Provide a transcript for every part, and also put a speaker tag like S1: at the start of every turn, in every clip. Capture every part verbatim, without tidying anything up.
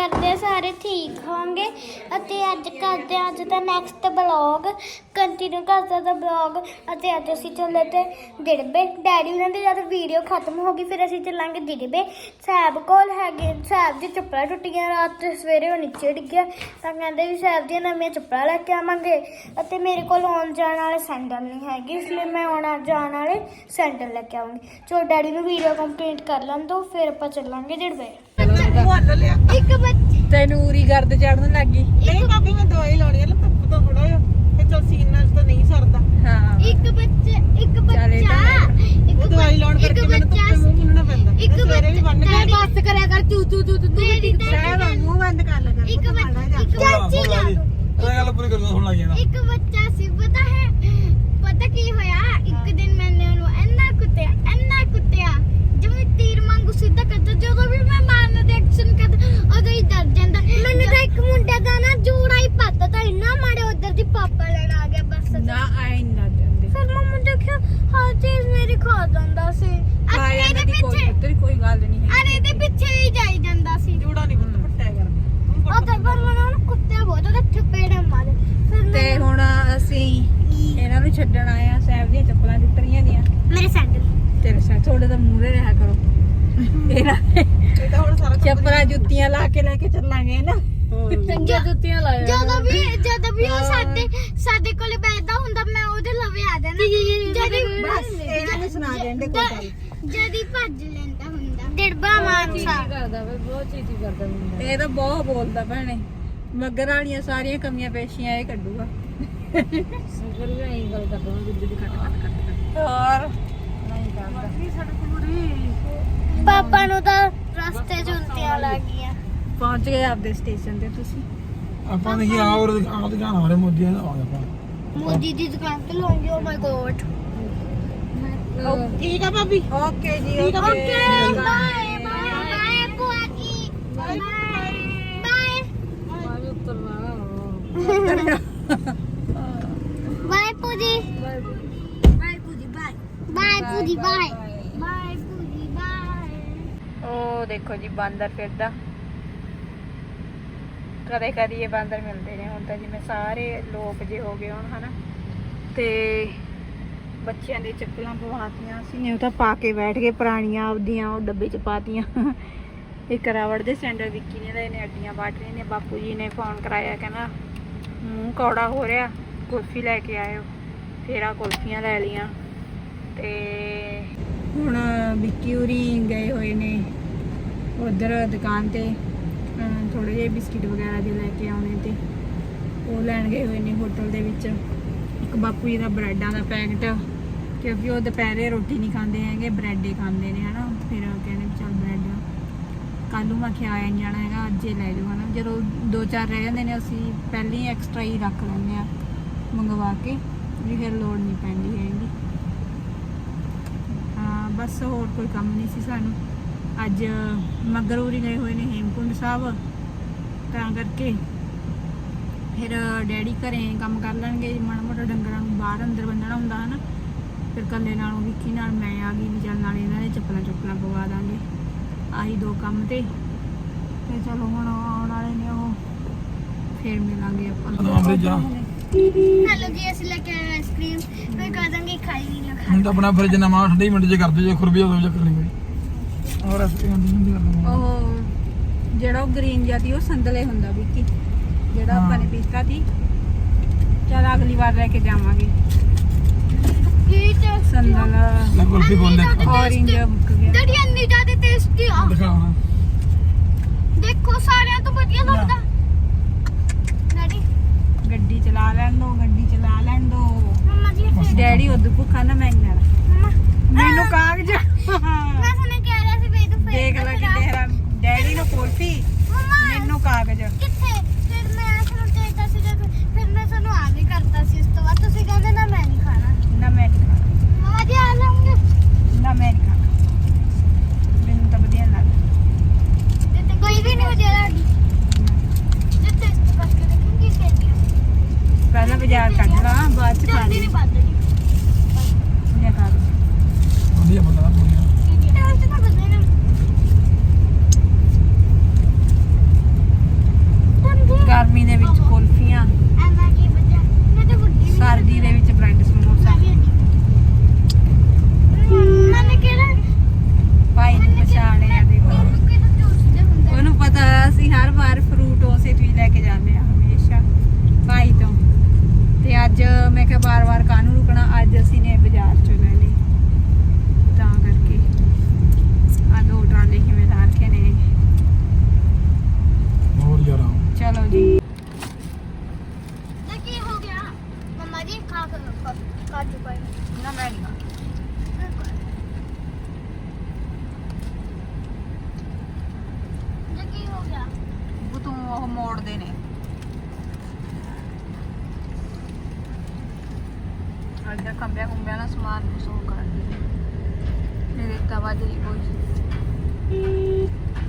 S1: ਕਰਦੇ ਸਾਰੇ ਠੀਕ ਹੋਣਗੇ ਅਤੇ ਅੱਜ ਕਰਦੇ ਹਾਂ ਅੱਜ ਦਾ ਨੈਕਸਟ ਬਲੌਗ ਕੰਟੀਨਿਊ ਕਰਦਾ ਦਾ ਬਲੌਗ ਅਤੇ ਅੱਜ ਅਸੀਂ ਚੱਲੇ ਤੇ ਦਿੜਬੇ ਡੈਡੀ ਉਹਨਾਂ ਦੀ ਜਦ ਵੀਡੀਓ ਖਤਮ ਹੋ ਗਈ ਫਿਰ ਅਸੀਂ ਚੱਲਾਂਗੇ ਦਿੜਬੇ ਸਾਹਿਬ ਕੋਲ ਹੈਗੇ ਸਾਹਿਬ ਦੀ ਚੱਪਲਾਂ ਟੁੱਟੀਆਂ ਰਾਤ ਤੇ ਸਵੇਰੇ ਉਹ ਨੀਚੇ ਡਿੱਗਿਆ ਤਾਂ ਕਹਿੰਦੇ ਵੀ ਸਾਹਿਬ ਦੀਆਂ ਨਵੀਆਂ ਚੱਪਲਾਂ ਲੈ ਕੇ ਆਵਾਂਗੇ ਅਤੇ ਮੇਰੇ ਕੋਲ ਆਉਣ ਜਾਣ ਵਾਲੇ ਸੈਂਡਲ ਨਹੀਂ ਹੈਗੇ ਇਸ ਲਈ ਮੈਂ ਆਉਣਾ ਜਾਣ ਵਾਲੇ ਸੈਂਡਲ ਲੈ ਕੇ ਆਵਾਂਗੀ ਚਲੋ ਡੈਡੀ ਨੂੰ ਵੀਡੀਓ ਕੰਪਲੀਟ ਕਰ ਲੈਣ ਦੋ ਫਿਰ ਆਪਾਂ ਚੱਲਾਂਗੇ ਦਿੜਬੇ ਇੱਕ ਬੱਚੇ
S2: ਤੈਨੂਰੀ ਗਰਦ ਚੜਨ ਲੱਗੀ
S3: ਨਹੀਂ ਭਾਬੀ ਮੈਂ ਦਵਾਈ ਲਾਉਣੀ ਹੈ ਧੁੱਪ ਤੋਂ ਥੋੜਾ ਜਿਹਾ ਤੇ ਚਲ ਸੀਨਾ ਤਾਂ ਨਹੀਂ ਸਰਦਾ
S2: ਹਾਂ
S1: ਇੱਕ ਬੱਚੇ ਇੱਕ ਬੱਚਾ
S3: ਉਹ ਦਵਾਈ ਲਾਉਣ ਕਰਕੇ ਮੈਨੂੰ ਧੁੱਪੇ ਮੂੰਹ ਮੁੰਨਣਾ ਪੈਂਦਾ
S1: ਇੱਕ
S3: ਸਵੇਰੇ ਵੀ ਬੰਨ ਕੇ
S1: ਬਸ ਕਰਿਆ ਕਰ ਚੂ ਚੂ ਚੂ ਤੂੰ
S3: ਸਾਹਿਬ ਮੂੰਹ ਬੰਦ ਕਰ ਲੈ
S1: ਇੱਕ ਬੱਚਾ ਇੱਕ ਚਾਚੀ ਲਾ ਦੋ
S4: ਇਹ ਗੱਲ ਪੂਰੀ ਕਰਨਾ ਹੁਣ ਲੱਗ ਜਾਣਾ
S1: ਇੱਕ ਬੱਚਾ ਸੀ ਪਤਾ ਹੈ ਪਤਾ ਕੀ ਹੋਇਆ ਇੱਕ ਦਿਨ ਮੈਨੇ ਉਹਨੂੰ ਇੰਨਾ ਕੁੱਟਿਆ ਇੰਨਾ ਕੁੱਟਿਆ ਜਿਵੇਂ ਤੀਰ ਵਾਂਗੂ ਸਿੱਧਾ ਕਰਦਾ ਜਦੋਂ ਵੀ ਮੈਂ ਮਾਰਨ ਦੇ ਐਕਸ਼ਨ ਕਰਦਾ ਉਦੋਂ ਹੀ ਡਰ ਜਾਂਦਾ ਮੈਨੂੰ ਤਾਂ ਇੱਕ ਮੁੰਡੇ ਦਾ ਨਾ ਜੂੜਾ ਹੀ ਪੱਤਾ ਤਾਂ ਇੰਨਾ ਮਾੜੇ ਉਧਰ ਦੀ ਪਾਪਾ ਲੈਣ ਆ ਗਿਆ ਬਸ
S2: ਨਾ ਆਈ ਨਾ ਜਾਂਦੇ
S1: ਫਿਰ ਮੰਮਾ ਦੇਖਿਆ ਹਰ ਚੀਜ਼ ਮੇਰੀ ਖਾ ਜਾਂਦਾ ਸੀ
S2: ਆਇਆ
S1: ਇਹਦੇ
S2: ਦੀ ਕੋਈ
S1: ਪਿੱਛੇ
S2: ਤੇਰੀ ਕੋਈ ਗੱਲ ਨਹੀਂ ਹੈ
S1: ਅਰੇ ਇਹਦੇ ਪਿੱਛੇ ਹੀ ਜਾਈ ਜਾਂਦਾ ਸੀ
S3: ਜੂੜਾ ਨਹੀਂ ਪੁੱਤ ਪੱਟਿਆ ਕਰਦੇ
S1: ਉਹ ਤਾਂ ਪਰ ਮੈਨੂੰ ਉਹਨੂੰ ਕੁੱਤਿਆ ਬਹੁਤ ਉਹਦੇ ਥਪੇੜੇ ਮਾਰੇ ਫਿਰ
S2: ਤੇ ਹੁਣ ਅਸੀਂ ਇਹਨਾਂ ਨੂੰ ਛੱਡਣ ਆਏ ਆ ਸਾਹਿਬ ਦੀਆਂ ਚੱਪਲਾਂ ਟੁੱਟ ਰਹੀਆਂ ਦੀਆਂ
S1: ਮੇਰੇ ਸੈਂਡਲ
S2: ਤੇਰੇ ਸਾਹ ਥੋੜੇ ਤਾਂ ਮੂਹਰੇ ਰਿਹਾ ਕਰੋ ਇਹਨਾਂ ਨੇ
S3: ਇਹ ਤਾਂ ਹੁਣ ਸਾਰਾ
S2: ਚੱਪਲਾਂ ਜੁੱਤੀਆਂ ਲਾ ਕੇ ਲੈ ਕੇ ਚੱਲਾਂਗੇ ਨਾ ਚੰਗੀਆਂ ਜੁੱਤੀਆਂ ਲਾਇਆ
S1: ਜਦੋਂ ਵੀ ਜਦੋਂ ਵੀ ਉਹ ਸਾਡੇ ਸਾਡੇ ਕੋਲੇ ਬੈਠਦਾ ਹੁੰਦਾ ਮੈਂ ਉਹਦੇ ਲਵੇ ਆ ਜਾਣਾ ਜਦੀ
S3: ਬਸ ਇਹਨਾਂ ਨੂੰ ਸੁਣਾ ਦੇਂਦੇ ਕੋਈ ਗੱਲ
S1: ਜਦੀ ਭੱਜ ਲੈਂਦਾ ਹੁੰਦਾ ਡਿੜਬਾ ਮਾਨਸਾ
S2: ਕਰਦਾ ਵੇ ਬਹੁਤ ਚੀਜ਼ੀ ਕਰਦਾ ਹੁੰਦਾ ਇਹ ਤਾਂ ਬਹੁਤ ਬੋਲਦਾ ਭੈਣੇ ਮਗਰ ਵਾਲੀਆਂ ਸਾਰੀਆਂ ਕਮੀਆਂ ਪੇਸ਼ੀਆਂ ਇਹ ਕੱਢੂਗਾ ਸਗਰ ਵੀ ਐਂ ਗੱਲ ਕਰਦਾ ਜਿੱਦ ਦੀ ਕੱਟ ਕੱਟ ਕੱਟ ਹੋਰ ਨਹੀਂ ਕਰਦਾ ਸੜਕ ਪੂਰੀ
S1: ਪਾਪਾ ਨੂੰ ਤਾਂ ਰਸਤੇ 'ਚ ਉਲਟੀਆਂ ਲੱਗ ਗਈਆਂ
S2: ਪਹੁੰਚ ਗਏ ਆਪਦੇ ਸਟੇਸ਼ਨ ਤੇ ਤੁਸੀਂ
S4: ਆਪਾਂ ਨੇ ਕੀ ਆਉਰ ਆਉਂ ਦੁਕਾਨ ਵਾਲੇ ਮੋਦੀ ਆ ਆਪਾਂ
S1: ਮੋਦੀ ਦੀ ਦੁਕਾਨ ਤੇ ਲਾਉਂਗੇ ਓ ਮਾਈ ਗੋਡ
S3: ਠੀਕ ਆ ਭਾਬੀ
S2: ਓਕੇ ਜੀ
S3: ਠੀਕ ਆ
S2: okay
S1: okay bye bye bye ਭੂਆ ਜੀ ਬਾਏ ਬਾਏ
S2: ਬਾਏ ਉਤਰਨਾ
S1: ਬਾਏ ਪੂਜੀ
S2: ਬਾਏ ਪੂਜੀ ਬਾਏ
S1: ਬਾਏ ਪੂਜੀ ਬਾਏ ਬਾਏ ਪੂਜੀ ਬਾਏ
S2: ਉਹ ਦੇਖੋ ਜੀ ਬਾਂਦਰ ਫਿਰਦਾ ਕਦੇ ਕਦੇ ਇਹ ਬਾਂਦਰ ਮਿਲਦੇ ਨੇ ਹੁਣ ਤਾਂ ਜਿਵੇਂ ਸਾਰੇ ਲੋਕ ਜੇ ਹੋ ਗਏ ਹੁਣ ਹਨਾ ਤੇ ਬੱਚਿਆਂ ਦੇ ਚੱਪਲਾਂ ਪਵਾਤੀਆਂ ਸੀ ਨੇ ਉਹ ਤਾਂ ਪਾ ਕੇ ਬੈਠ ਗਏ ਪੁਰਾਣੀਆਂ ਆਪਦੀਆਂ ਉਹ ਡੱਬੇ ਚ ਪਾਤੀਆਂ ਇੱਕ ਰਾਵੜ ਦੇ ਸੈਂਡਲ ਵਿੱਕੀ ਨੇ ਲਏ ਨੇ ਅੱਡੀਆਂ ਬਾਟ ਰਹੇ ਨੇ ਬਾਪੂ ਜੀ ਨੇ ਫੋਨ ਕਰਾਇਆ ਕਹਿੰਦਾ ਮੂੰਹ ਕੌੜਾ ਹੋ ਰਿਹਾ ਕੁਲਫੀ ਲੈ ਕੇ ਆਇਓ ਫੇਰ ਆ ਕੁਲਫੀਆਂ ਲੈ ਲੀਆਂ ਤੇ ਹੁਣ ਵਿੱਕੀ ਉਰੀ ਗਏ ਹੋਏ ਨੇ ਉਧਰ ਦੁਕਾਨ ਤੇ ਥੋੜੇ ਜਿਹੇ ਬਿਸਕਿਟ ਵਗੈਰਾ ਦੇ ਲੈ ਕੇ ਆਉਣੇ ਤੇ ਉਹ ਲੈਣ ਗਏ ਹੋਏ ਨੇ ਹੋਟਲ ਦੇ ਵਿੱਚ ਇੱਕ ਬਾਪੂ ਜੀ ਦਾ ਬ੍ਰੈਡਾਂ ਦਾ ਪੈਕਟ ਕਿਉਂਕਿ ਉਹ ਦੁਪਹਿਰੇ ਰੋਟੀ ਨਹੀਂ ਖਾਂਦੇ ਹੈਗੇ ਬ੍ਰੈਡ ਹੀ ਖਾਂਦੇ ਨੇ ਹਨਾ ਫਿਰ ਕਹਿੰਦੇ ਚੱਲ ਬ੍ਰੈਡ ਕੱਲ ਨੂੰ ਮੈਂ ਖਿਆ ਆਇਆ ਜਾਣਾ ਹੈਗਾ ਅੱਜ ਹੀ ਲੈ ਜਾਓ ਹਨਾ ਜਦੋਂ ਦੋ ਚਾਰ ਰਹਿ ਜਾਂਦੇ ਨੇ ਅਸੀਂ ਪਹਿਲਾਂ ਹੀ ਐਕਸਟਰਾ ਹੀ ਰੱਖ ਲੈਂਦੇ ਆ ਮੰਗਵਾ ਕੇ ਵੀ ਫਿਰ ਲੋੜ ਨਹੀਂ ਪੈਂਦੀ ਹੈਗੀ ਹਾਂ ਬਸ ਹੋਰ ਕੋਈ ਕੰਮ ਨਹੀਂ ਸੀ ਸਾਨੂੰ ਅੱਜ ਮਗਰੂਰੀ ਗਏ ਹੋਏ ਨੇ ਹੇਮਕੁੰਡ ਸਾਹਿਬ ਤਾਂ ਕਰਕੇ ਫਿਰ ਡੈਡੀ ਘਰੇ ਕੰਮ ਕਰ ਲੈਣਗੇ ਮਾੜਾ ਮੋਟਾ ਡੰਗਰਾਂ ਨੂੰ ਬਾਹਰ ਅੰਦਰ ਬੰਨਣਾ ਹੁੰਦਾ ਹਨਾ ਫਿਰ ਕੱਲੇ ਨਾਲੋਂ ਵਿੱਕੀ ਨਾਲ ਮੈਂ ਆ ਗਈ ਵੀ ਚੱਲ ਨਾਲ ਇਹਨਾਂ ਦੇ ਚੱਪਲਾਂ ਚੁੱਪਲਾਂ ਪਵਾ ਦਾਂਗੇ ਆਹੀ ਦੋ ਕੰਮ ਤੇ ਤੇ ਚਲੋ ਹੁਣ ਆਉਣ ਵਾਲੇ ਨੇ ਉਹ ਫਿਰ ਮਿਲਾਂਗੇ ਆਪਾਂ
S4: ਜਾ
S1: ਹੈਲੋ ਜੀ ਅਸੀਂ ਲੈ ਕੇ ਆਏ ਆਈਸਕ੍ਰੀਮ ਮੈਂ ਕਹ ਦਾਂਗੇ ਖਾਈ ਨਹੀਂ ਨਾ
S4: ਹੁਣ ਤਾਂ ਆਪਣਾ ਫਰਿੱਜ ਨਵਾਂ ਠੰਡੇ ਮਿੰਟ ਚ ਕਰਦੇ ਜੇ ਖੁਰਬੀ ਉਦੋਂ ਚੱਕਰ ਨਹੀਂ ਕੋਈ ਔਰ ਅਸੀਂ ਹੁੰਦੀ ਹੁੰਦੀ ਕਰਦੇ
S2: ਉਹ ਜਿਹੜਾ ਉਹ ਗ੍ਰੀਨ ਜਿਹਾ ਉਹ ਸੰਦਲੇ ਹੁੰਦਾ ਵਿੱਕੀ ਜਿਹੜਾ ਆਪਾਂ ਨੇ ਪੀਤਾ ਸੀ ਚਲ ਅਗਲੀ ਵਾਰ ਲੈ ਕੇ ਜਾਵਾਂਗੇ
S1: ਕੀ ਤੇ
S2: ਸੰਦਲ
S4: ਲੈ ਕੁਲਫੀ ਬੋਲੇ
S2: ਔਰੇਂਜ ਮੁੱਕ ਗਿਆ
S1: ਡੈਡੀ ਇੰਨੀ ਜ਼ਿਆਦਾ ਟੇਸਟੀ ਆ
S4: ਦਿਖਾਉਣਾ
S1: ਦੇਖੋ ਸਾਰਿਆਂ ਤੋਂ ਵਧੀਆ ਲੱਗਦਾ ਡੈਡੀ
S2: ਗੱਡੀ ਚਲਾ ਲੈਣ ਦੋ ਗੱਡੀ ਚਲਾ ਲੈਣ ਦੋ
S1: ਮੰਮਾ ਜੀ ਫਿਰ
S2: ਡੈਡੀ ਉਦੋਂ ਭੁੱਖਾ ਨਾ ਮੈਂਗਣਾ
S1: ਮੰਮਾ
S2: ਮੈਨੂੰ ਕਾਗਜ਼
S1: ਮੈਂ ਸੁਣਿਆ ਕਹਿ ਰਿਹਾ ਸੀ ਵੀ ਤੂੰ ਫੇਰ
S2: ਦੇਖ ਲੈ ਕਿ ਤੇਰਾ ਡੈਡੀ ਨੂੰ ਕੁਲਫੀ
S1: ਮੰਮਾ
S2: ਮੈਨੂੰ ਕਾਗਜ਼
S1: ਕਿੱਥੇ ਫਿਰ ਮੈਂ ਤੁਹਾਨੂੰ ਚਾਹੀਦਾ ਸੀ ਜਦ ਫਿਰ ਮੈਂ ਤੁਹਾਨੂੰ ਆ ਵੀ ਕਰਤਾ ਸੀ ਉਸ ਤੋਂ ਬਾਅਦ ਤੁਸੀਂ ਕਹਿੰਦੇ ਨਾ ਮੈਂ ਨਹੀਂ ਖਾਣਾ
S2: ਨਾ ਮੈਂ ਨਹੀਂ ਖਾਣਾ
S1: ਮੰਮਾ ਜੀ ਆ ਲਾਉਂਗੇ
S2: ਨਾ ਮੈਂ ਨਹੀਂ ਖਾਣਾ ਮੈਨੂੰ ਤਾਂ ਵਧੀਆ ਲੱਗਦਾ
S1: ਤੇ ਕੋਈ ਵੀ ਨਹੀਂ ਹੋ ਜਾਣਾ ਜੇ ਟੈਸਟ ਕਰਕੇ ਦੇਖੂੰਗੀ ਕਿਹਦੀ
S2: ਪਹਿਲਾਂ ਬਾਜ਼ਾਰ ਕੱਢ ਲਾ ਬਾਅਦ ਚ ਖਾ
S1: ਜਲਦੀ
S2: ਲਈ
S1: ਨਹੀਂ ਬਦਲਦੀ
S2: ਇਹ ਕਾਗਜ਼
S4: ਵਧੀਆ ਪਤਾ ਪੂਰੀ
S1: ਟੈਸਟ ਤਾਂ ਬਦਲੇ ਨਾ
S2: ਅੱਜ ਮੈਂ ਕਿਹਾ ਵਾਰ-ਵਾਰ ਕਾਹਨੂੰ ਰੁਕਣਾ, ਅੱਜ ਅਸੀਂ ਨੇ ਬਾਜ਼ਾਰ ਚੋਂ ਲੈ ਲਈ ਤਾਂ ਕਰਕੇ ਆ ਦੋ ਟਰਾਲੇ ਕਿਵੇਂ ਲਾ ਰੱਖੇ ਨੇ।
S4: ਹੋਰ ਯਾਰ
S2: ਚਲੋ ਜੀ
S1: ਤੇ ਕੀ ਹੋ ਗਿਆ ਮੰਮਾ ਜੀ ਖਾ ਕੇ ਦੇਖੋ ਕਾਜੂ ਪਾਈ
S2: ਨਾ ਮੈਂ ਨਹੀਂ
S1: ਤੇ ਕੀ ਹੋ ਗਿਆ
S2: ਉਹ ਤੂੰ ਉਹ ਮੋੜਦੇ ਨੇ ਅੱਜ ਦਾ ਕੰਬਿਆ ਕੁੰਬਿਆ ਦਾ ਸਮਾਨ ਸੋ ਕਰਦੇ ਨੇ ਮੇਰੇ ਤਵਾ ਜਿਹੜੀ ਕੋਈ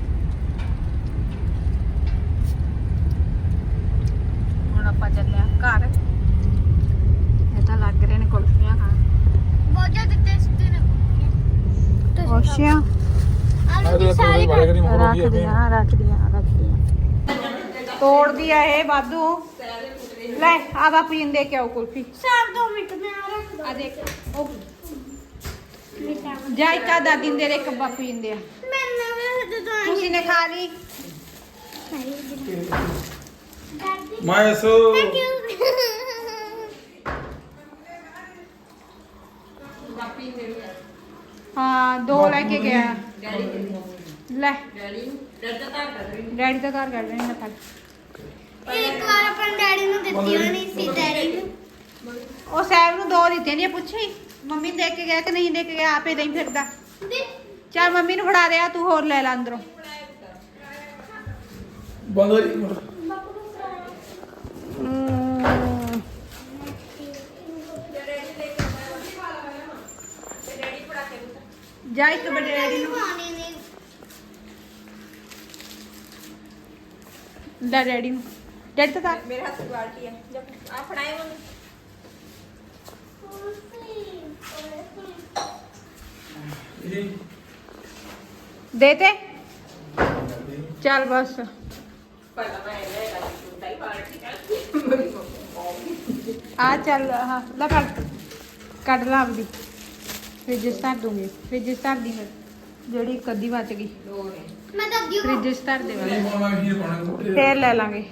S2: ਹੁਣ ਆਪਾਂ ਚੱਲੇ ਆ ਘਰ। ਇਹ ਤਾਂ ਲੱਗ ਰਹੇ ਨੇ ਕੁਲਫੀਆਂ ਖਾਣ।
S1: ਬਹੁਤ ਜ਼ਿਆਦਾ ਟੇਸਟੀ ਨੇ
S2: ਅੱਛਾ
S1: ਆਲੂ ਸਾਰੇ ਖਾ
S2: ਰੱਖ ਦੀਆਂ ਰੱਖ ਦੀਆਂ ਰੱਖ ਦੀਆਂ ਤੋੜਦੀ ਆ ਇਹ ਵਾਧੂ। ਲੈ ਆ ਬਾਪੂ ਜੀ ਨੂੰ ਦੇ ਕੇ ਆਓ ਕੁਲਫੀ।
S1: ਸਾਰ ਦੋ ਮਿੰਟ ਮੈਂ ਆ ਰੱਖ ਦੋ
S2: ਆ ਦੇਖ ਉਹ
S1: ਮਿੱਠਾ
S2: ਜਾ ਇੱਕ ਆ ਦਾਦੀ ਨੂੰ ਦੇ ਦੇ, ਇੱਕ ਬਾਪੂ ਜੀ ਨੂੰ ਦੇ ਆ।
S1: ਮੈਂ ਨਾ ਜਦੋਂ
S2: ਤੁਸੀਂ ਨੇ ਖਾ ਲਈ।
S4: ਮੈਂ ਸੋ
S1: ਥੈਂਕ ਯੂ
S2: ਹਾਂ ਦੋ ਲੈ ਕੇ ਗਿਆ ਲੈ ਡੈਡੀ ਦਾ ਘਰ ਕੱਢ ਰਹੇ ਨੇ ਫਲ।
S1: ਇੱਕ ਵਾਰ ਆਪਾਂ ਡੈਡੀ ਨੂੰ ਦਿੱਤੀ ਹੋਣੀ ਸੀ ਡੈਡੀ ਨੂੰ
S2: ਉਹ ਸਾਹਿਬ ਨੂੰ ਦੋ ਦਿੱਤੇ ਨੇ, ਪੁੱਛੀ ਮੰਮੀ ਨੂੰ ਦੇ ਕੇ ਗਿਆ ਕਿ ਨਹੀਂ ਦੇ ਕੇ ਗਿਆ, ਆਪੇ ਨਹੀਂ ਫਿਰਦਾ।
S1: ਦੇ
S2: ਚੱਲ ਮੰਮੀ ਨੂੰ ਫੜਾ ਦੇ ਆ, ਤੂੰ ਹੋਰ ਲੈ ਲੈ ਅੰਦਰੋਂ।
S4: ਬੰਦਰ
S2: ਜਾ ਇੱਕ ਬੜੇ ਡੈਡੀ ਨੂੰ
S1: ਖਾਣੇ ਨੇ
S2: ਲੈ ਡੈਡੀ ਨੂੰ। ਡੈਡੀ ਤਾਂ ਤਾਂ
S3: ਮੇਰੇ ਹੱਥ ਬਾਲਟੀ ਹੈ ਆ ਫੜਾਏ ਮੰਮੀ।
S2: ਦੇ ਤੇ ਚੱਲ ਬਸ। ਆ ਚੱਲ ਹਾਂ ਲੈ ਫੜ ਕੱਢ ਲਾ ਆਪਦੀ ਫ੍ਰਿਜ 'ਚ ਧਰ ਦੂੰਗੀ। ਫ੍ਰਿਜ 'ਚ ਧਰ ਦੀ ਫਿਰ ਜਿਹੜੀ ਇੱਕ ਅੱਧੀ ਬਚ ਗਈ
S1: ਮੈਂ ਦੱਦੀ ਹਾਂ
S2: ਫ੍ਰਿਜ 'ਚ ਧਰ ਦੇਵਾਂਗੇ,
S4: ਪਾਣਾ ਕੀ ਪਾਣਾ
S2: ਫੇਰ ਲੈ ਲਾਂਗੇ।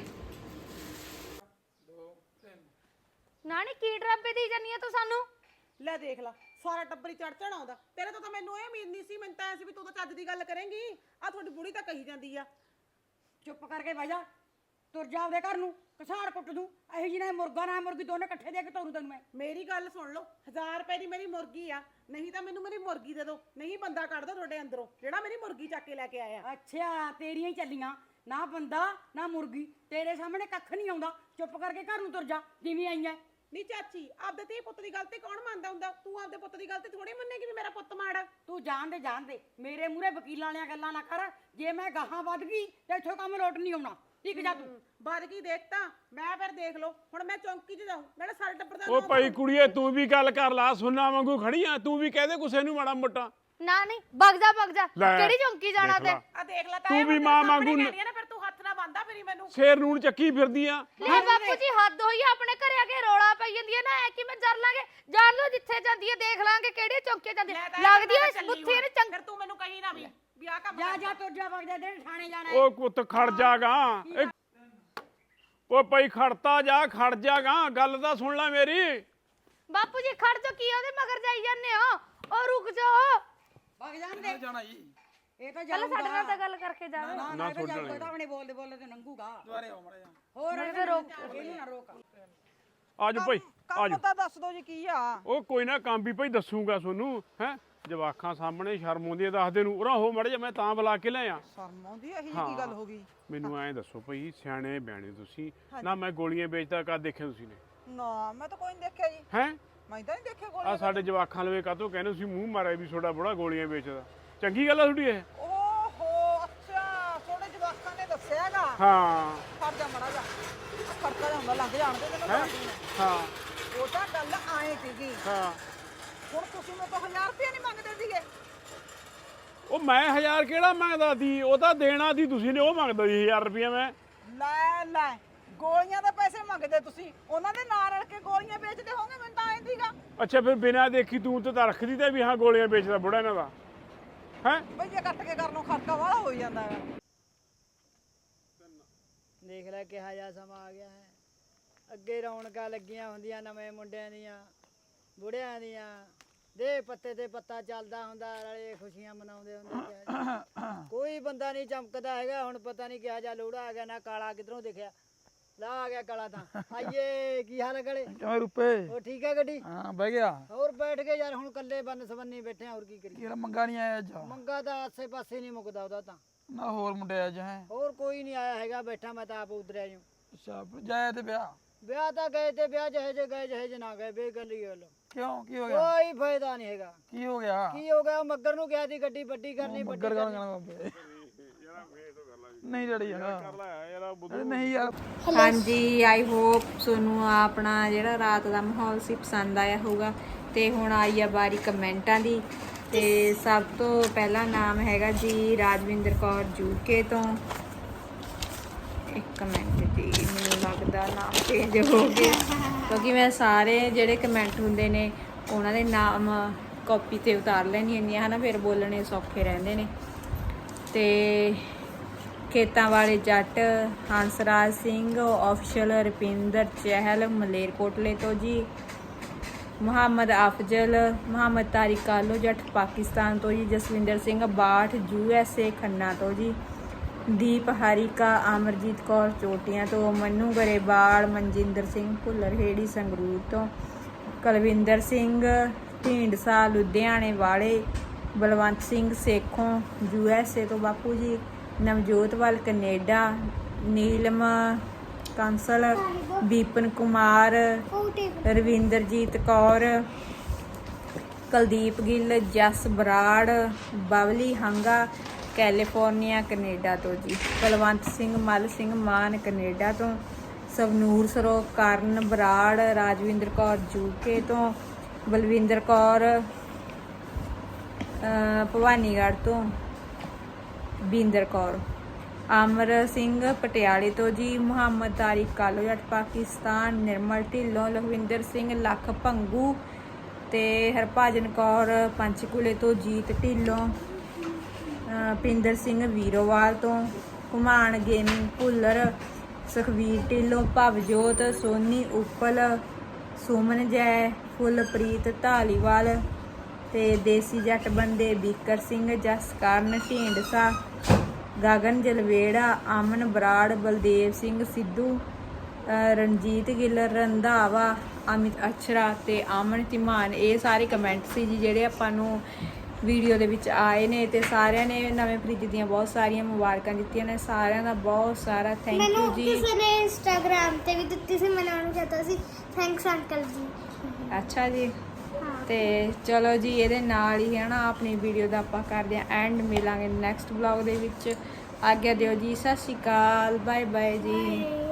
S5: ਨਾਨੀ ਕੀ ਡਰਾਬੇ ਦੀ ਜਾਨੀ ਆ ਤੂੰ ਸਾਨੂੰ?
S3: ਲੈ ਦੇਖ ਲਾ ਸਾਰਾ ਟੱਬਰੀ ਚੜ ਚੜ ਆਉਂਦਾ। ਤੇਰੇ ਤੋਂ ਤਾਂ ਮੈਨੂੰ ਇਹ ਉਮੀਦ ਨਹੀਂ ਸੀ। ਮੈਨੂੰ ਤਾਂ ਐ ਸੀ ਵੀ ਤੂੰ ਤਾਂ ਚੱਜ ਦੀ ਗੱਲ ਕਰੇਂਗੀ। ਆ ਤੁਹਾਡੀ ਬੁੜੀ ਤਾਂ ਕਹੀ ਜਾਂਦੀ ਆ
S6: ਚੁੱਪ ਕਰਕੇ ਬਹਿ ਜਾ, ਤੁਰ ਜਾ ਆਪਦੇ ਘਰ ਨੂੰ, ਕਸਾੜ ਕੁੱਟ ਦੂੰ। ਇਹੋ ਜਿਹੀ ਨਾ ਮੁਰਗਾ ਨਾ ਮੁਰਗੀ ਦੋਨੇ ਇਕੱਠੇ ਦੇ ਕੇ ਤੋਰੂ ਤੈਨੂੰ ਮੈਂ।
S3: ਮੇਰੀ ਗੱਲ ਸੁਣ ਲਓ, ਹਜ਼ਾਰ ਰੁਪਏ ਦੀ ਮੇਰੀ ਮੁਰਗੀ ਆ, ਨਹੀਂ ਤਾਂ ਮੈਨੂੰ ਮੇਰੀ ਮੁਰਗੀ ਦੇ ਦਿਓ, ਨਹੀਂ ਬੰਦਾ ਕੱਢ ਦੋ ਤੁਹਾਡੇ ਅੰਦਰੋਂ ਜਿਹੜਾ ਮੇਰੀ ਮੁਰਗੀ ਚੱਕ ਕੇ ਲੈ ਕੇ ਆਇਆ।
S6: ਅੱਛਾ ਤੇਰੀਆਂ ਹੀ ਚੱਲੀਆਂ, ਨਾ ਬੰਦਾ ਨਾ ਮੁਰਗੀ, ਤੇਰੇ ਸਾਹਮਣੇ ਕੱਖ ਨਹੀਂ ਆਉਂਦਾ। ਚੁੱਪ ਕਰਕੇ ਘਰ ਨੂੰ ਤੁਰ ਜਾ ਜਿਵੇਂ ਆਈਆਂ।
S3: ਨਹੀਂ ਚਾਚੀ, ਆਪਦੇ ਧੀ ਪੁੱਤ ਦੀ ਗਲਤੀ ਕੌਣ ਮੰਨਦਾ ਹੁੰਦਾ? ਤੂੰ ਆਪਦੇ ਪੁੱਤ ਦੀ ਗਲਤੀ ਥੋੜੀ ਮੰਨੇਗੀ ਵੀ ਮੇਰਾ ਪੁੱਤ ਮਾੜਾ।
S6: ਤੂੰ ਜਾਣ ਦੇ ਜਾਣ ਦੇ, ਮੇਰੇ ਮੂਹਰੇ ਵਕੀਲਾਂ ਵਾਲੀਆਂ ਗੱਲਾਂ ਨਾ ਕਰ। ਜੇ ਮੈਂ ਗਾਹਾਂ ਵੱਧ ਗਈ ਤੇ ਇੱਥੋਂ ਕੰਮ ਲੋਟ ਨਹੀਂ ਆਉਣਾ। ਠੀਕ ਜਾ ਤੂੰ।
S3: ਵੱਧ ਕੀ ਦੇਖ ਤਾਂ ਮੈਂ ਫਿਰ ਦੇਖ ਲਓ। ਹੁਣ ਮੈਂ ਚੌਂਕੀ 'ਚ ਜਾਊਂ, ਨਾਲੇ ਸਾਰੇ ਟੱਬਰ ਦਾ
S7: ਉਹ ਭਾਈ ਕੁੜੀਏ ਤੂੰ ਵੀ ਗੱਲ ਕਰ ਲਾ, ਸੁੰਨਾ ਵਾਂਗੂ ਖੜੀ ਆ। ਤੂੰ ਵੀ ਕਹਦੇ ਕਿਸੇ ਨੂੰ ਮਾੜਾ ਮੋਟਾ।
S5: ਨਾ ਨਹੀਂ ਭੱਗ ਜਾ ਭੱਗ ਜਾ,
S7: ਲੈ,
S5: ਕਿਹੜੀ ਚੌਂਕੀ ਜਾਣਾ
S7: ਦੇਖ
S5: ਤੇ?
S7: ਲਾ।
S3: ਆ ਦੇਖ ਲੈ
S7: ਤੂੰ ਵੀ ਮਾਂ ਵਾਂਗੂ ਨ-
S3: ਨਾ ਫਿਰ ਤੂੰ ਹੱਥ ਨਾ ਬੰਦਾ ਫਿਰੀ ਮੈਨੂੰ।
S7: ਸ਼ੇਰ ਨੂਣ ਚੱਕੀ ਫਿਰਦੀ ਆ।
S5: ਲੈ ਬਾਪੂ ਜੀ ਹੱਦ ਹੋਈ ਆ, ਆਪਣੇ ਘਰੇ ਆ ਕੇ ਰੌਲਾ ਪਈ ਜਾਂਦੀ ਹੈ ਨਾ, ਐ ਕਿਵੇਂ ਜਰ ਲਾਂਗੇ? ਜਾਣ ਲੋ ਜਿੱਥੇ ਜਾਂਦੀ ਹੈ, ਦੇਖ ਲਾਂਗੇ ਕਿਹੜੀ ਚੌਂਕੀ ਜਾਂਦੀ ਹੈ। ਲੱਗਦੀ ਐ ਬੁੱਥੀ ਨੇ ਚੰਗ।
S3: ਫਿਰ ਤੂੰ ਮੈਨੂੰ ਕਹੀ ਨਾ ਵੀ ਵੀ ਆ ਕੰਮ
S6: ਜਾ ਜਾ ਤੁਰ ਜਾ, ਵਗ ਜਾ, ਦੇ ਥਾਣੇ ਜਾਣਾ।
S7: ਉਹ ਪੁੱਤ ਖੜ ਜਾਗਾ। ਉਹ ਭਾਈ ਖੜਤਾ ਜਾ, ਖੜ ਜਾਗਾ, ਗੱਲ ਤਾਂ ਸੁਣ ਲੈ ਮੇਰੀ।
S5: ਬਾਪੂ ਜੀ ਖੜ ਜਾ, ਕੀ ਉਹਦੇ ਮਗਰ ਜਾਈ ਜਾਂਦੇ ਹੋ? ਉਹ ਰੁਕ ਜਾਓ,
S6: ਵਗ ਜਾਣ ਦੇ।
S4: ਜਾਣਾ ਜੀ
S6: ਇਹ ਤਾਂ
S5: ਪਹਿਲਾਂ ਸਾਡੇ ਨਾਲ
S6: ਜਾਊਗਾ।
S5: ਤਾਂ ਗੱਲ ਕਰਕੇ ਜਾਵੇ।
S6: ਨਾ
S7: ਨਾ
S6: ਨਾ ਇਹ ਤਾਂ
S7: ਛੱਡਣ
S6: ਜਾਊਗਾ, ਇਹ ਤਾਂ ਆਪਣੇ ਬੋਲਦੇ ਬੋਲਦੇ ਤੇ ਨੰਗੂਗਾ।
S4: ਦੁਆਰੇ ਆਓ ਮੜਾ ਜਾ
S6: ਹੋਰ
S5: ਫਿਰ ਰੋਕ।
S6: ਇਹਨੂੰ ਨਾ ਰੋਕ।
S7: ਆਜੋ ਭਾਈ ਆਜੋ।
S3: ਤਾਂ ਦੱਸ ਦੋ ਜੀ ਕੀ ਆ।
S7: ਉਹ ਕੋਈ ਨਾ ਕੰਮ ਵੀ ਭਾਈ ਦੱਸੂਗਾ ਤੁਹਾਨੂੰ। ਹੈ ਜਵਾਖਾਂ ਸਾਹਮਣੇ ਸ਼ਰਮ ਆਉਂਦੀ ਹੈ ਦੱਸਦੇ ਨੂੰ। ਉਰਾ ਹੋ ਮੜ ਜਾ, ਮੈਂ ਤਾਂ ਬੁਲਾ ਕੇ ਲਿਆ।
S3: ਸ਼ਰਮ ਆਉਂਦੀ ਇਹੀ
S7: ਹਾਂ।
S3: ਕੀ ਗੱਲ ਹੋ ਗਈ?
S7: ਮੈਨੂੰ ਐਂ ਦੱਸੋ ਭਾਈ, ਸਿਆਣੇ ਬਿਆਣੇ ਤੁਸੀਂ ਨਾ। ਮੈਂ ਗੋਲੀਆਂ ਵੇਚਦਾ ਕਦ ਦੇਖਿਆ ਤੁਸੀਂ ਨੇ?
S3: ਨਾ ਮੈਂ ਤਾਂ ਕੋਈ ਨਹੀਂ ਦੇਖਿਆ ਜੀ।
S7: ਹੈ
S3: ਮੈਂ ਤਾਂ ਨਹੀਂ ਦੇਖਿਆ
S7: ਆ
S3: ਗੋਲੀ।
S7: ਸਾਡੇ ਜਵਾਖਾਂ ਲਵੇ ਕਾਹਤੋਂ ਕਹਿੰਦੇ ਤੁਸੀਂ ਮੂੰਹ ਮਾਰਿਆ ਵੀ ਤੁਹਾਡਾ ਬੜਾ ਗੋਲੀਆਂ ਵੇਚਦਾ? ਚੰਗੀ ਗੱਲ ਆ ਤੁਹਾਡੀ ਇਹ?
S3: ਓਹੋ ਅੱਛਾ, ਤੁਹਾਡੇ ਜਵਾਕਾਂ ਨੇ ਦੱਸਿਆਗਾ।
S7: ਹਾਂ
S3: ਫੜ ਜਾ ਮੜਾ ਜਾ, ਖੜਕਾ ਜਾਂਦਾ ਲੰਘ ਜਾਣਦੇ ਤੈਨੂੰ
S7: ਹੈਂ?
S3: ਬਾਕੀ ਨੇ।
S7: ਹਾਂ
S3: ਉਹ ਤਾਂ ਗੱਲ ਆਏ ਸੀਗੀ।
S7: ਹਾਂ।
S3: ਹੁਣ ਤੁਸੀਂ ਮੇਰੇ ਤੋਂ ਹਜ਼ਾਰ ਰੁਪਏ ਨਹੀਂ ਮੰਗਦੇ ਸੀਗੇ?
S7: ਉਹ ਮੈਂ ਹਜ਼ਾਰ ਕਿਹੜਾ ਮੰਗਦਾ ਸੀ? ਉਹ ਤਾਂ ਦੇਣਾ ਸੀ ਤੁਸੀਂ ਨੇ, ਉਹ ਮੰਗਦਾ ਸੀ ਹਜ਼ਾਰ ਰੁਪਇਆ ਮੈਂ।
S3: ਲੈ ਲੈ, ਗੋਲੀਆਂ ਦੇ ਪੈਸੇ ਮੰਗਦੇ ਤੁਸੀਂ, ਉਹਨਾਂ ਦੇ ਨਾਲ ਰਲ ਕੇ ਗੋਲੀਆਂ ਵੇਚਦੇ ਹੋਗੇ। ਮੈਨੂੰ ਤਾਂ ਐਂ ਸੀਗਾ
S7: ਅੱਛਾ ਫਿਰ ਬਿਨਾਂ ਦੇਖੀ ਤੂੰ ਤਾਂ ਰੱਖਦੀ ਤੇ ਵੀ ਹਾਂ ਗੋਲੀਆਂ ਵੇਚਦਾ ਬੁੜਾ ਇਹਨਾਂ ਦਾ। ਹੈ
S3: ਬਈ ਇਹ ਕੱਟ ਕੇ ਕਰਨੋਂ ਖਰਚਾ ਵਾਲਾ ਹੋ ਜਾਂਦਾ ਹੈ।
S6: ਦੇਖ ਲੈ ਕਿਹਾ ਜਾ ਸਮਾਂ ਆ ਗਿਆ ਹੈ। ਅੱਗੇ ਰੌਣਕਾਂ ਲੱਗੀਆਂ ਹੁੰਦੀਆਂ ਨਵੇਂ ਮੁੰਡਿਆਂ ਦੀਆਂ ਬੁੜਿਆਂ ਦੀਆਂ ਦੇ ਪੱਤੇ ਤੇ ਪੱਤਾ ਚੱਲਦਾ ਹੁੰਦਾ ਨਾਲੇ ਖੁਸ਼ੀਆਂ ਮਨਾਉਂਦੇ ਹੁੰਦੇ ਕੋਈ ਬੰਦਾ ਨਹੀਂ ਚਮਕਦਾ ਹੈਗਾ ਹੁਣ ਪਤਾ ਨਹੀਂ ਕਿਹਾ ਜਾ ਲੋੜਾ ਆ ਗਿਆ ਨਾ ਕਾਲਾ ਕਿਧਰੋਂ ਦਿਖਿਆ ਲਾ ਆ ਗਿਆ ਕਾਲਾ ਤਾਂ ਆਈਏ ਕੀ ਹਾਲ ਹੈ ਗਲੇ
S4: ਕਿਵੇਂ ਰੁਪਏ
S6: ਉਹ ਠੀਕ ਹੈ ਗੱਡੀ
S4: ਹਾਂ ਬਹਿ ਗਿਆ
S6: ਹੋਰ ਬੈਠ ਕੇ ਯਾਰ ਹੁਣ ਕੱਲੇ ਬੰਨ ਸਬੰਨੀ ਬੈਠੇ ਆ ਹੋਰ ਕੀ ਕਰੀਏ
S4: ਕਿਹੜਾ ਮੰਗਾ ਨਹੀਂ ਆਇਆ ਅੱਜ
S6: ਮੰਗਾ ਤਾਂ ਆਸੇ ਪਾਸੇ ਨਹੀਂ ਮੁੱਕਦਾ ਉਹਦਾ ਤਾਂ
S4: ਨਾ ਹੋਰ ਮੁੰਡੇ ਅੱਜ ਹੈ
S6: ਹੋਰ ਕੋਈ ਨਹੀਂ ਆਇਆ ਹੈਗਾ ਬੈਠਾ ਮੈਂ ਤਾਂ ਆਪ ਉਧਰਿਆ ਜੂ
S4: ਅੱਛਾ ਜਾਇਆ ਤੇ ਵਿਆਹ
S6: ਵਿਆਹ ਤਾਂ ਗਏ ਤੇ ਵਿਆਹ ਜਿਹੇ ਜੇ ਗਏ ਜਿਹੇ ਜੇ ਨਾ ਗਏ ਬੇਗਲ ਹੀ ਗੱਲ
S4: ਕਿਉਂ ਕੀ ਹੋ ਗਿਆ
S6: ਕੋਈ ਫਾਇਦਾ ਨਹੀਂ ਹੈਗਾ
S4: ਕੀ ਹੋ ਗਿਆ
S6: ਕੀ ਹੋ ਗਿਆ ਮੱਗਰ ਨੂੰ ਕਿਹਾ ਸੀ ਗੱਡੀ ਵੱਡੀ ਕਰਨੀ ਵੱਡੀ
S4: ਮੱਗਰ ਗਾਣਾ ਗਾਣਾ ਬਾਬੇ ਨਹੀਂ ਡੜੀ ਯਾਰ ਅਰੇ ਨਹੀਂ ਯਾਰ
S2: ਹਾਂਜੀ ਆਈ ਹੋਪ ਤੁਹਾਨੂੰ ਆਪਣਾ ਜਿਹੜਾ ਰਾਤ ਦਾ ਮਾਹੌਲ ਸੀ ਪਸੰਦ ਆਇਆ ਹੋਊਗਾ ਤੇ ਹੁਣ ਆਈ ਆ ਵਾਰੀ ਕਮੈਂਟਾਂ ਦੀ ਤੇ ਸਭ ਤੋਂ ਪਹਿਲਾ ਨਾਮ ਹੈਗਾ ਜੀ ਰਾਜਵਿੰਦਰ ਕੌਰ ਜੂਕੇ ਤੋਂ ਇੱਕ ਮਿੰਟ ਜੀ ਮੈਨੂੰ ਲੱਗਦਾ ਨਾਮ ਚੇਂਜ ਹੋ ਗਿਆ ਕਿਉਂਕਿ ਮੈਂ ਸਾਰੇ ਜਿਹੜੇ ਕਮੈਂਟ ਹੁੰਦੇ ਨੇ ਉਹਨਾਂ ਦੇ ਨਾਮ ਕਾਪੀ ਤੇ ਉਤਾਰ ਲੈਣੀ ਹੁੰਦੀ ਆ ਹਨਾ ਫਿਰ ਬੋਲਣੇ ਸੌਖੇ ਰਹਿੰਦੇ ਨੇ ਤੇ ਖੇਤਾਂ ਵਾਲੇ ਜੱਟ ਹੰਸਰਾਜ ਸਿੰਘ ਆਫੀਸ਼ੀਅਲ ਰੁਪਿੰਦਰ ਚਹਿਲ ਮਲੇਰਕੋਟਲੇ ਤੋਂ ਜੀ ਮੁਹੰਮਦ ਅਫਜ਼ਲ ਮੁਹੰਮਦ ਤਾਰਿਕ ਕਾਲੋ ਜੱਟ ਪਾਕਿਸਤਾਨ ਤੋਂ ਜੀ Jaswinder Singh Bath U S A Khanna ਤੋਂ ਜੀ ਦੀਪ ਹਰੀਕਾ ਅਮਰਜੀਤ ਕੌਰ ਚੋਟੀਆਂ ਤੋਂ ਮੰਨੂ ਗਰੇਵਾਲ ਮਨਜਿੰਦਰ ਸਿੰਘ ਭੁੱਲਰ ਹੇੜੀ ਸੰਗਰੂਰ ਤੋਂ ਕੁਲਵਿੰਦਰ ਸਿੰਘ ਢੀਂਡਸਾ ਲੁਧਿਆਣੇ ਵਾਲੇ Balwant Singh Sekhon U S A ਤੋਂ ਬਾਪੂ ਜੀ Navjotwal Canada Neelam Kansal Bipan Kumar Ravinderjit Kaur Kuldeep Gill Jas Brar Babli Hanga California Canada ਤੋਂ ਜੀ ਕੁਲਵੰਤ ਸਿੰਘ ਮੱਲ ਸਿੰਘ ਮਾਨ ਕੈਨੇਡਾ ਤੋਂ ਸਵਨੂਰ ਸਰੋ ਕਰਨ ਬਰਾੜ ਰਾਜਵਿੰਦਰ ਕੌਰ ਯੂਕੇ ਤੋਂ ਬਲਵਿੰਦਰ ਕੌਰ ਭਵਾਨੀਗੜ੍ਹ ਤੋਂ ਬਿੰਦਰ ਕੌਰ ਅਮਰ ਸਿੰਘ ਪਟਿਆਲੇ ਤੋਂ ਜੀ ਮੁਹੰਮਦ ਤਾਰਿਕ ਕਾਲੋ ਜੱਟ ਪਾਕਿਸਤਾਨ ਨਿਰਮਲ ਢਿੱਲੋਂ ਲਖਵਿੰਦਰ ਸਿੰਘ ਲੱਖ ਭੰਗੂ ਤੇ ਹਰਭਜਨ ਕੌਰ ਪੰਚਕੂਲੇ ਤੋਂ ਜੀਤ ਢਿੱਲੋਂ ਪਿੰਦਰ ਸਿੰਘ ਵੀਰੋਵਾਲ ਤੋਂ ਘੁਮਾਣ ਗੇਮਿੰਗ ਭੁੱਲਰ ਸੁਖਵੀਰ ਢਿੱਲੋਂ ਭਵਜੋਤ ਸੋਨੀ ਉਪਲ ਸੁਮਨ ਜੈ ਫੁੱਲਪ੍ਰੀਤ ਢਾਲੀਵਾਲ ਤੇ ਦੇਸੀ ਜੱਟ ਬੰਦੇ ਬੀਕਰ ਸਿੰਘ ਜਸਕਰਨ ਢੀਂਡਸਾ ਗਗਨ ਜਲਵੇੜਾ ਅਮਨ ਬਰਾੜ ਬਲਦੇਵ ਸਿੰਘ ਸਿੱਧੂ ਰਣਜੀਤ ਗਿੱਲ ਰੰਧਾਵਾ ਅਮਿਤ ਅਛਰਾ ਤੇ ਅਮਨ ਧੀਮਾਨ ਇਹ ਸਾਰੇ ਕਮੈਂਟ ਸੀ ਜੀ ਜਿਹੜੇ ਆਪਾਂ ਨੂੰ ਵੀਡੀਓ ਦੇ ਵਿੱਚ ਆਏ ਨੇ ਤੇ ਸਾਰਿਆਂ ਨੇ ਨਵੇਂ ਫ੍ਰਿਜ ਦੀਆਂ ਬਹੁਤ ਸਾਰੀਆਂ ਮੁਬਾਰਕਾਂ ਦਿੱਤੀਆਂ ਨੇ ਸਾਰਿਆਂ ਦਾ ਬਹੁਤ ਸਾਰਾ ਥੈਂਕ ਯੂ ਜੀ
S1: ਕਿਸੇ ਨੇ ਇੰਸਟਾਗ੍ਰਾਮ ਤੇ ਵੀ ਦਿੱਤੀ ਸੀ ਮੈਂ ਉਹਨੂੰ ਕਹਤਾ ਸੀ ਥੈਂਕਸ ਅੰਕਲ ਜੀ
S2: ਅੱਛਾ ਜੀ ਤੇ ਚਲੋ ਜੀ ਇਹਦੇ ਨਾਲ ਹੀ ਹੈ ਨਾ ਆਪਣੀ ਵੀਡੀਓ ਦਾ ਆਪਾਂ ਕਰਦੇ ਹਾਂ ਐਂਡ ਮਿਲਾਂਗੇ ਨੈਕਸਟ ਵਲੌਗ ਦੇ ਵਿੱਚ ਆਗਿਆ ਦਿਓ ਜੀ ਸਤਿ ਸ਼੍ਰੀ ਅਕਾਲ ਬਾਏ ਬਾਏ ਜੀ